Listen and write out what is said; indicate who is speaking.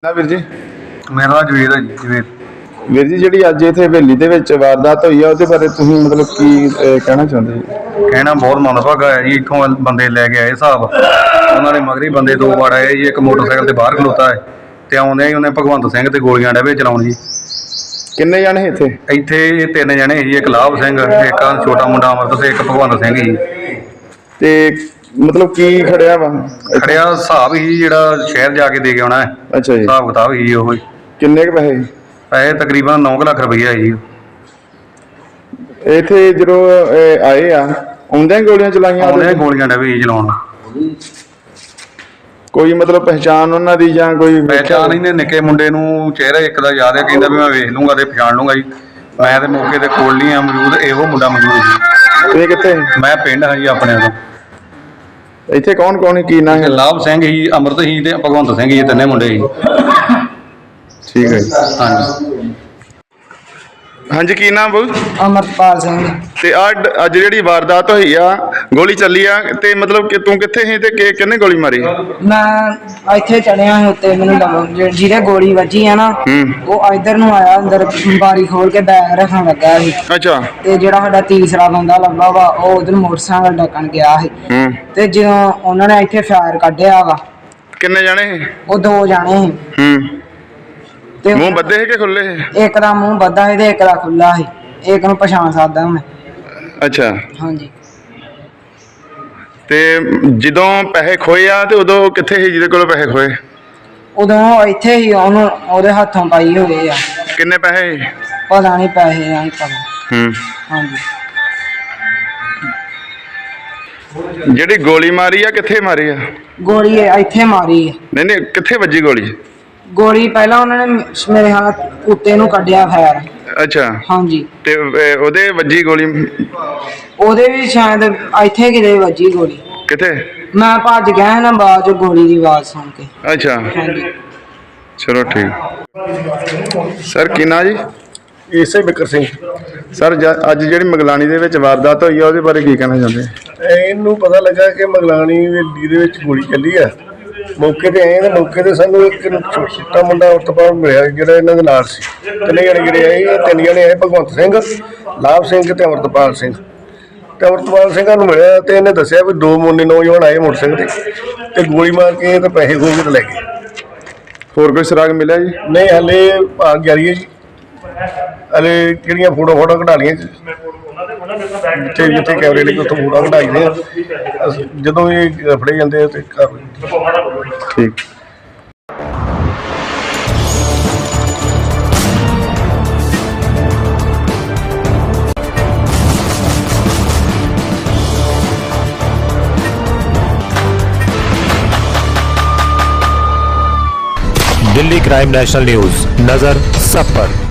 Speaker 1: ਨਾ ਵੀਰ ਜੀ
Speaker 2: ਮੇਰਾ ਨਾਂ ਜਵੇਦ ਹੈ ਜੀ। ਜਵੇਦ
Speaker 1: ਵੀਰ ਜੀ ਜਿਹੜੀ ਅੱਜ ਇੱਥੇ ਹਵੇਲੀ ਦੇ ਵਿੱਚ ਵਾਰਦਾਤ ਹੋਈ ਆ ਉਹਦੇ ਬਾਰੇ ਤੁਸੀਂ ਮਤਲਬ ਕੀ ਕਹਿਣਾ ਚਾਹੁੰਦੇ ਜੀ?
Speaker 2: ਕਹਿਣਾ ਬਹੁਤ ਮੰਦਭਾਗਾ ਹੈ ਜੀ। ਇੱਥੋਂ ਬੰਦੇ ਲੈ ਕੇ ਆਏ ਹਿਸਾਬ, ਉਹਨਾਂ ਦੇ ਮਗਰੀ ਬੰਦੇ ਦੋ ਵਾਰ ਆਏ ਜੀ। ਇੱਕ ਮੋਟਰਸਾਈਕਲ ਤੇ ਬਾਹਰ ਖਲੋਤਾ ਹੈ ਤੇ ਆਉਂਦੇ ਹੀ ਉਹਨੇ ਭਗਵੰਤ ਸਿੰਘ ਤੇ ਗੋਲੀਆਂ ਡੇਵੇ ਚਲਾਉਣ ਜੀ।
Speaker 1: ਕਿੰਨੇ ਜਾਣੇ ਇੱਥੇ?
Speaker 2: ਇੱਥੇ ਤਿੰਨ ਜਣੇ ਸੀ ਜੀ, ਇੱਕ ਲਾਭ ਸਿੰਘ, ਇੱਕ ਛੋਟਾ ਮੁੰਡਾ ਅਮਰਤ ਤੇ ਇੱਕ ਭਗਵੰਤ ਸਿੰਘ ਜੀ।
Speaker 1: ਤੇ ਮਤਲਬ ਕੀ ਖੜਿਆ ਵਾ?
Speaker 2: ਖੜਿਆ ਹਿਸਾਬ ਹੀ ਜਿਹੜਾ ਸ਼ਹਿਰ ਜਾ ਕੇ ਦੇ ਕੇ ਆਉਣਾ ਹੈ।
Speaker 1: ਅੱਛਾ ਜੀ।
Speaker 2: ਹਿਸਾਬ ਕਿਤਾਬ ਹੀ ਉਹ
Speaker 1: ਕਿੰਨੇ ਕੁ ਪੈਸੇ?
Speaker 2: ਪੈਸੇ ਤਕਰੀਬਨ 9 ਲੱਖ ਰੁਪਈਆ ਜੀ।
Speaker 1: ਇੱਥੇ ਜਦੋਂ ਆਏ ਆ ਆਉਂਦਿਆਂ ਹੀ ਗੋਲੀਆਂ ਚਲਾਈਆਂ?
Speaker 2: ਆਉਂਦੇ ਗੋਲੀਆਂ ਡੇਵੇ ਜੀ ਚਲਾਉਣ।
Speaker 1: ਕੋਈ ਮਤਲਬ ਪਹਿਚਾਣ ਉਹਨਾਂ ਦੀ ਜਾਂ ਕੋਈ
Speaker 2: ਪਹਿਚਾਣ ਇਹਨੇ ਨਿੱਕੇ ਮੁੰਡੇ ਨੂੰ ਚਿਹਰਾ ਇੱਕ ਦਾ ਯਾਦ ਹੈ, ਕਹਿੰਦਾ ਵੀ ਮੈਂ ਵੇਖ ਲੂੰਗਾ ਤੇ ਪਛਾਣ ਲੂੰਗਾ ਜੀ। ਮੈਂ ਤੇ ਮੌਕੇ ਤੇ ਕੋਲ ਨਹੀਂ ਆ ਮੌਜੂਦ, ਇਹੋ ਮੁੰਡਾ ਮੌਜੂਦ ਜੀ।
Speaker 1: ਇਹ ਕਿੱਥੇ?
Speaker 2: ਮੈਂ ਪਿੰਡ ਹਾਂ ਜੀ ਆਪਣੇ ਤੋਂ।
Speaker 1: ਇੱਥੇ ਕੌਣ ਕੌਣ ਸੀ, ਕੀ ਨਾਂ ਹੈ?
Speaker 2: ਲਾਭ ਸਿੰਘ ਹੀ, ਅਮਰਤ ਹੀ ਤੇ ਭਗਵੰਤ ਸਿੰਘ ਜੀ, ਤਿੰਨੇ ਮੁੰਡੇ ਸੀ।
Speaker 1: ਠੀਕ ਹੈ ਜੀ।
Speaker 2: ਹਾਂਜੀ
Speaker 1: ਹਾਂਜੀ, ਕੀ ਨਾਮ ਬੋਲ?
Speaker 3: ਅਮਰਪਾਲ ਸਿੰਘ।
Speaker 1: ਤੇ ਅੱਜ ਜਿਹੜੀ ਵਾਰਦਾਤ ਹੋਈ ਆ, ਗੋਲੀ ਚੱਲੀ ਆ, ਤੇ ਮਤਲਬ ਕਿ ਤੂੰ ਕਿੱਥੇ ਸੀ ਤੇ ਕਿਹਨੇ ਗੋਲੀ ਮਾਰੀ?
Speaker 3: ਮੈਂ ਇੱਥੇ ਚੜਿਆ ਸੀ ਉੱਤੇ, ਮੈਨੂੰ ਜਿਹਦੇ ਗੋਲੀ ਵੱਜੀ ਆ ਨਾ ਉਹ ਇੱਧਰ ਨੂੰ ਆਇਆ, ਅੰਦਰ ਬਾਰੀ ਖੋਲ ਕੇ ਬੈਗ ਰੱਖਣ ਲੱਗਾ ਸੀ।
Speaker 1: ਅੱਛਾ।
Speaker 3: ਤੇ ਜਿਹੜਾ ਸਾਡਾ ਤੀਸਰਾ ਬੰਦਾ ਲੱਗਾ ਵਾ ਉਹ ਉਧਰ ਮੋਟਰਸਾਈਕਲ ਡੱਕਣ ਗਿਆ ਸੀ। ਤੇ ਜਦੋਂ ਉਹਨਾਂ ਨੇ ਇੱਥੇ ਫਾਇਰ ਕੱਢਿਆ ਵਾ।
Speaker 1: ਕਿੰਨੇ ਜਾਣੇ ਸੀ?
Speaker 3: ਉਹ ਦੋ ਜਾਣੇ ਸੀ। ਤੇ
Speaker 1: ਮੂੰਹ ਬੱਧੇ ਸੀ ਕਿ ਖੁੱਲੇ ਸੀ?
Speaker 3: ਇੱਕ ਦਾ ਮੂੰਹ ਬੱਧਾ ਸੀ ਤੇ ਇੱਕ ਦਾ ਖੁੱਲਾ ਸੀ। ਇੱਕ ਨੂੰ ਪਛਾਣ ਸਕਦਾ ਮੈਂ।
Speaker 1: ਅੱਛਾ।
Speaker 3: ਹਾਂਜੀ।
Speaker 1: ਤੇ ਜਦੋਂ ਪੈਸੇ ਖੋਏ ਆ ਤੇ ਉਦੋਂ ਕਿੱਥੇ ਸੀ ਜਿਹਦੇ ਕੋਲ ਪੈਸੇ ਖੋਏ?
Speaker 3: ਉਦੋਂ ਇੱਥੇ ਹੀ ਉਹਨੂੰ ਉਹਦੇ ਹੱਥੋਂ ਪਾਈ ਹੋਏ ਆ।
Speaker 1: ਕਿੰਨੇ ਪੈਸੇ?
Speaker 3: ਪਤਾ ਨਹੀਂ ਪੈਸੇ ਦਾ ਨਹੀਂ ਪਤਾ। ਹਾਂਜੀ।
Speaker 1: ਜਿਹੜੀ ਗੋਲੀ ਮਾਰੀ ਆ ਕਿੱਥੇ ਮਾਰੀ ਆ?
Speaker 3: ਗੋਲੀ ਇੱਥੇ ਮਾਰੀ ਹੈ।
Speaker 1: ਨਹੀਂ ਕਿੱਥੇ ਵੱਜੀ ਗੋਲੀ?
Speaker 3: ਗੋਲੀ ਪਹਿਲਾਂ ਉਹਨਾਂ ਨੇ ਮੇਰੇ ਹੱਥ ਉੱਤੇ ਨੂੰ ਕੱਢਿਆ ਫੈਰ।
Speaker 1: ਅੱਛਾ।
Speaker 3: ਹਾਂਜੀ।
Speaker 1: ਤੇ ਉਹਦੇ ਵੱਜੀ ਗੋਲੀ?
Speaker 3: ਉਹਦੇ ਵੀ ਸ਼ਾਇਦ ਇੱਥੇ ਕਿਤੇ ਵੱਜੀ ਗੋਲੀ।
Speaker 1: ਕਿੱਥੇ?
Speaker 3: ਮੈਂ ਭੱਜ ਗਿਆ ਨਾ ਬਾਅਦ ਚ ਗੋਲੀ ਦੀ ਆਵਾਜ਼ ਸੁਣ ਕੇ।
Speaker 1: ਅੱਛਾ।
Speaker 3: ਹਾਂਜੀ।
Speaker 1: ਚਲੋ ਠੀਕ। ਸਰ ਕੀ ਨਾਂ ਜੀ?
Speaker 4: ਇਸੇ ਬਿਕਰ ਸਿੰਘ।
Speaker 1: ਸਰ ਅੱਜ ਜਿਹੜੀ ਮਗਲਾਣੀ ਦੇ ਵਿੱਚ ਵਾਰਦਾਤ ਹੋਈ ਆ ਉਹਦੇ ਬਾਰੇ ਕੀ ਕਹਿਣਾ ਚਾਹੁੰਦੇ?
Speaker 4: ਇਹਨੂੰ ਪਤਾ ਲੱਗਾ ਕਿ ਮਗਲਾਣੀ ਹਵੇਲੀ ਦੇ ਵਿੱਚ ਗੋਲੀ ਚੱਲੀ ਆ। ਮੌਕੇ ਤੇ ਆਏ ਤੇ ਮੌਕੇ ਤੇ ਸਾਨੂੰ ਇੱਕ ਛੋਟਾ ਮੁੰਡਾ ਉਤਪਾਦ ਮਿਲਿਆ ਜਿਹੜਾ ਇਹਨਾਂ ਦੇ ਨਾਲ ਸੀ। ਤਿੰਨੇ ਜਣੇ ਜਿਹੜੇ ਆਏ, ਇਹ ਤਿੰਨ ਜਣੇ ਆਏ, ਭਗਵੰਤ ਸਿੰਘ, ਲਾਭ ਸਿੰਘ ਤੇ ਅਮਰਤਪਾਲ ਸਿੰਘ। ਤੇ ਅਮਰਤਪਾਲ ਸਿੰਘਾਂ ਨੂੰ ਮਿਲਿਆ ਤੇ ਇਹਨੇ ਦੱਸਿਆ ਵੀ ਦੋ ਮੁੰਡੇ ਨੌਜਵਾਨ ਆਏ ਮੋਟਰਸਾਈਕਲ ਤੇ ਗੋਲੀ ਮਾਰ ਕੇ ਤੇ ਪੈਸੇ ਖੋਹ ਕੇ ਤੇ ਲੈ ਗਏ।
Speaker 1: ਹੋਰ ਕੋਈ ਸੁਰਾਗ ਮਿਲਿਆ ਜੀ?
Speaker 4: ਨਹੀਂ, ਹਲੇ ਭਾਗ ਜਾਰੀ ਹੈ ਜੀ। ਹਲੇ ਕਿਹੜੀਆਂ ਫੋਟੋ ਕਢਾ ਲਈਆਂ ਜਿੱਥੇ ਜਿੱਥੇ ਕੈਮਰੇ ਲੱਗੇ ਉੱਥੋਂ ਫੋਟੋ ਕਢਾਈਆਂ। ਜਦੋਂ ਇਹ ਫੜੇ ਜਾਂਦੇ ਆ ਤੇ ਕਰ
Speaker 1: ਠੀਕ।
Speaker 5: दिल्ली क्राइम नेशनल न्यूज, नजर सब पर।